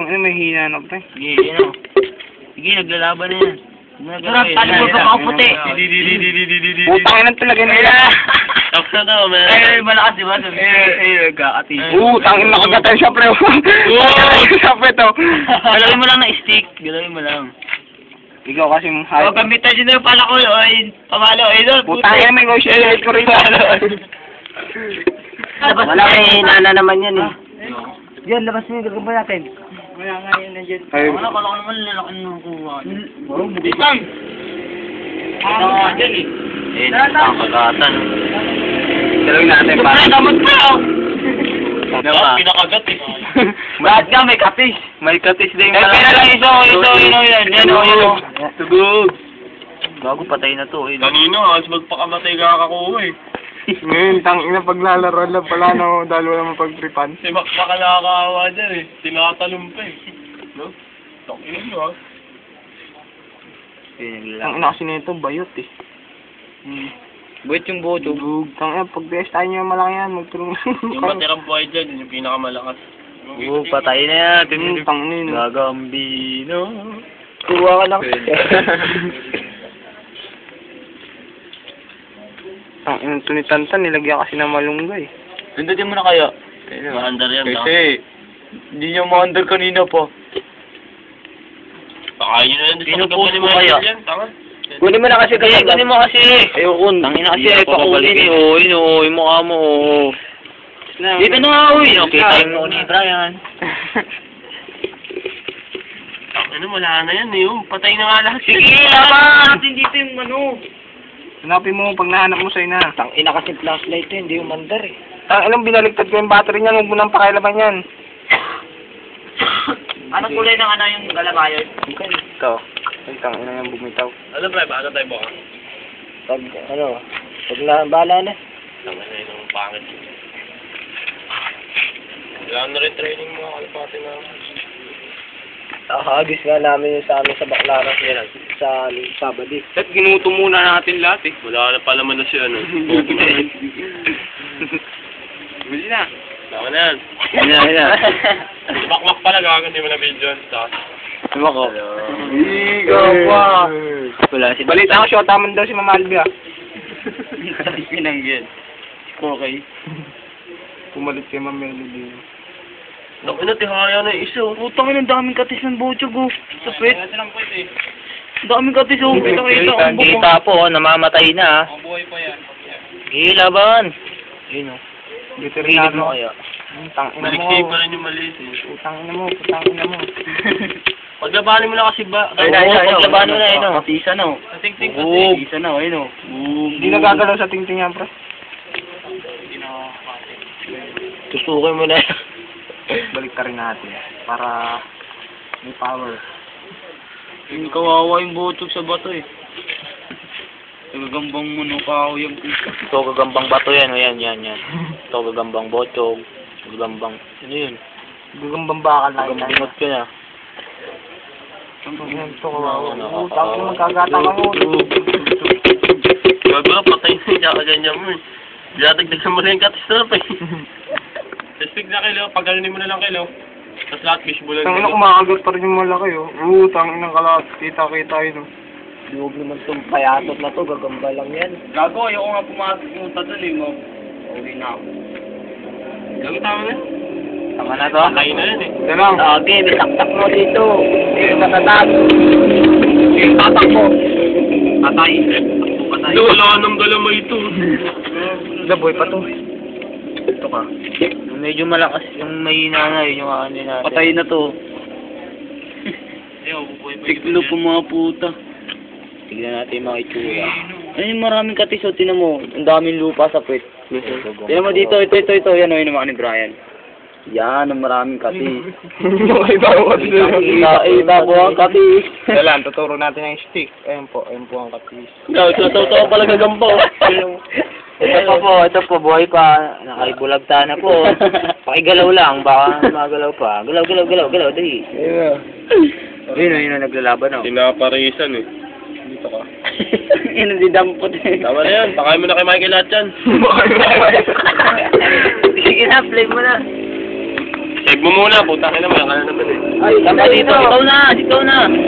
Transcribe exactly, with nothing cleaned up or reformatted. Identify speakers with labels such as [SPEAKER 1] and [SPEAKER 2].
[SPEAKER 1] Tang ina, may hina na pre.
[SPEAKER 2] Sige, ano. Sige, naglalaban na yan.
[SPEAKER 3] Sarap, talibol ka makaputi.
[SPEAKER 1] Putang ina talaga nila.
[SPEAKER 2] Tapos na to, man.
[SPEAKER 3] Ay, malakas diba? Sabi.
[SPEAKER 2] Eh, eh, nagkakati.
[SPEAKER 1] Oo, tangin na kagatan siya, pre. Siya, pre, to.
[SPEAKER 2] Galawin mo lang na stick. Galawin mo lang.
[SPEAKER 1] Ikaw kasi mong
[SPEAKER 3] O,
[SPEAKER 1] hype.
[SPEAKER 3] gamitan dyan na yung pala ko. Ay, pamalo. Ay, doon.
[SPEAKER 1] Putang ina, may negotiate ko rin.
[SPEAKER 3] Wala kay nana naman yan eh.
[SPEAKER 2] Yan, labas mo yung gagamba natin.
[SPEAKER 3] Wala nga yun na dyan.
[SPEAKER 1] Ay,
[SPEAKER 2] Wala, kala ko naman lalaki nung kuha.
[SPEAKER 3] Isang! Ano nga dyan eh.
[SPEAKER 2] Eh, ang kagatan.
[SPEAKER 1] dalawin natin para.
[SPEAKER 3] Ay, damot pa oh!
[SPEAKER 2] Diba?
[SPEAKER 3] Pinakagat eh. Bakit nga may kapis?
[SPEAKER 2] May katis din
[SPEAKER 3] Eh, pera lang ito, ito, ito, yan, yan, o, yan, o.
[SPEAKER 2] Tugog. Bago patay na to, eh.
[SPEAKER 3] Kanino, as magpakamatay ka kakuha eh.
[SPEAKER 1] Ngayon, tangin na paglalaro lang pala, no, dahil wala mong pagtripan.
[SPEAKER 3] Si Mac baka nakakawa dyan eh. Tinatalong pa eh. No? Takinig nyo ah.
[SPEAKER 1] Ang ina kasi nito, bayot eh.
[SPEAKER 2] Buwit yung boto.
[SPEAKER 1] Tang ina, pag best tayo nyo malaki yan, magtulong.
[SPEAKER 3] Yung matirang buhay dyan, yun yung pinakamalakas.
[SPEAKER 2] Oo, patay na yan.
[SPEAKER 1] Hmm, tangin na.
[SPEAKER 2] Gagambino.
[SPEAKER 1] Kuha ka lang. Ang ina, tunitantan, nilagyan kasi ng malunggay.
[SPEAKER 2] Pindutin mo na kaya.
[SPEAKER 3] Maandar yan.
[SPEAKER 2] Kasi, hindi niya ma-under kanina pa.
[SPEAKER 3] Baka yun na yun.
[SPEAKER 2] Pinupost mo kaya?
[SPEAKER 3] Tanga.
[SPEAKER 1] Kunin mo na kasi
[SPEAKER 2] Kaya kunin mo kasi.
[SPEAKER 1] Ayoko.
[SPEAKER 2] Tangin na kasi,
[SPEAKER 1] Hindi ako
[SPEAKER 2] pakunin
[SPEAKER 1] babalik
[SPEAKER 2] eh. Oo, yun o, yung mukha mo. oo. Dito na nga, uy. Okay, time mo ni Brian.
[SPEAKER 3] Ano, wala na yan eh. Oh. Patay na nga lahat.
[SPEAKER 2] Sige, laban! Natin dito yung ano.
[SPEAKER 1] Hanapin mo pag nahanap mo sa'yo na.
[SPEAKER 2] Tang ina kasi flashlight eh, hindi yung mandar eh.
[SPEAKER 1] Ang ilang binaligtad ko yung battery niyan, huwag mo nang pakialaman yan.
[SPEAKER 3] Anong kulay ng ano yung galabayon?
[SPEAKER 1] Ito. Ay, tang ina yung bumitaw.
[SPEAKER 3] Ano ba? Baka tayo buka?
[SPEAKER 2] Pag, ano, pag na, bala na.
[SPEAKER 3] Tama na yun ang pangit. Kailangan na rin training mga kalapati na.
[SPEAKER 2] Nakahagis nga namin yung sa amin sa Baclaran yan, sa Sabado.
[SPEAKER 1] At ginuto muna natin lahat eh.
[SPEAKER 3] Wala na pala man na si ano.
[SPEAKER 1] Bili na.
[SPEAKER 3] Tama na yan.
[SPEAKER 2] Yan na, yan.
[SPEAKER 3] Bakwak pala gagawin, hindi mo na video yan.
[SPEAKER 2] Diba ko?
[SPEAKER 1] Ikaw pa.
[SPEAKER 2] Wala si
[SPEAKER 1] Balita ko siya, taman daw si Mama Albi ah.
[SPEAKER 2] Pinanggit. Okay.
[SPEAKER 1] Pumalit kay Mama Melody.
[SPEAKER 3] Naku na, tihaya na yung isa.
[SPEAKER 2] Putang ina, ang daming katis ng bochog oh. Sa pet.
[SPEAKER 3] lang po ito eh.
[SPEAKER 2] Ang daming katis oh. Kita kita.
[SPEAKER 1] Kita,
[SPEAKER 2] Kita po, namamatay na.
[SPEAKER 3] Ang buhay pa yan.
[SPEAKER 2] Gilaban. Yun oh.
[SPEAKER 1] Dito rin
[SPEAKER 2] Gilid
[SPEAKER 1] natin.
[SPEAKER 2] mo kaya.
[SPEAKER 1] Tang ina mo.
[SPEAKER 3] Baliksik pa rin yung maliit eh.
[SPEAKER 1] Putang ina mo, putang ina mo.
[SPEAKER 3] Paglabanin mo lang kasi ba?
[SPEAKER 2] Ay, ay, ay, paglaban mo na yun oh. Katisa na oh.
[SPEAKER 3] Kating-ting
[SPEAKER 2] Oo.
[SPEAKER 3] kasi.
[SPEAKER 2] Katisa na oh, yun oh.
[SPEAKER 1] Hindi nagagalaw sa tingting yan, pre.
[SPEAKER 2] Tusukin mo na.
[SPEAKER 1] Balik ka rin natin. Para may power.
[SPEAKER 2] Yung kawawa yung bochog sa bato eh. Gagambang mo no kao yung puso. Ito gagambang bato yan, o yan, yan, yan. Ito gagambang bochog. Gagambang, ano yun?
[SPEAKER 1] Gagambang bakal na yun.
[SPEAKER 2] Gagambingot ka na.
[SPEAKER 1] Yan, ito kawawa. Oo, tapos yung magkagatang ka mo.
[SPEAKER 3] Gago na, patay na yung kakaganyan mo eh. Dinatagdagan mo na yung katis na pa eh. Testig na kilo, pagalunin mo na lang kilo. Tapos lahat fishbowl
[SPEAKER 1] Tang ina, kumakagat pa rin yung malaki oh. Oo, tang ina kalat. Kita-kita yun oh.
[SPEAKER 2] Huwag naman itong payatot na to, gagamba lang yan.
[SPEAKER 3] Gago, ayoko nga pumasok yung tatol eh mo. Uwi na ako. Gago, tama na.
[SPEAKER 2] Tama na to?
[SPEAKER 3] Patay na yan eh.
[SPEAKER 1] Ito lang.
[SPEAKER 2] Okay, bisaktak mo dito. Hindi matatag. Yung tatak mo.
[SPEAKER 3] Patay. Patay. Hindi, wala nang galamay ito.
[SPEAKER 1] Laboy pa to.
[SPEAKER 2] Ito ka. Medyo malakas yung mahina na yun, yung ano natin. Patay na to.
[SPEAKER 3] Ayaw, bubuhay pa
[SPEAKER 2] Tiklo po mga puta. Tignan natin yung mga itsura. Ano yung maraming katis o, tinan mo. Ang daming lupa sa pwet. Tinan mo dito, ito, ito, ito. Yan o, yun naman ni Brian. Yan, ang maraming katis.
[SPEAKER 1] Okay ba ako?
[SPEAKER 2] Ita po ang katis.
[SPEAKER 1] Ito lang, tuturo natin ang stick. Ayun po, ayun po ang katis.
[SPEAKER 2] Ikaw, totoo pala gagambo. Ito pa po, ito po, buhay pa. Nakaibulagta na po. Pakigalaw lang, baka magalaw pa. Galaw, galaw, galaw, galaw, dali.
[SPEAKER 1] Ayun.
[SPEAKER 2] Yun o, yun o, naglalaban o.
[SPEAKER 3] Pinaparisan eh. Dito ka.
[SPEAKER 2] Yun ang didampot eh.
[SPEAKER 3] Tama na yan, pakain mo na kay Michael lahat yan.
[SPEAKER 2] Sige na, play mo na.
[SPEAKER 3] Save mo muna, puta ka naman, yan ka na naman eh.
[SPEAKER 2] Ay, tama dito. Ikaw na, ikaw na.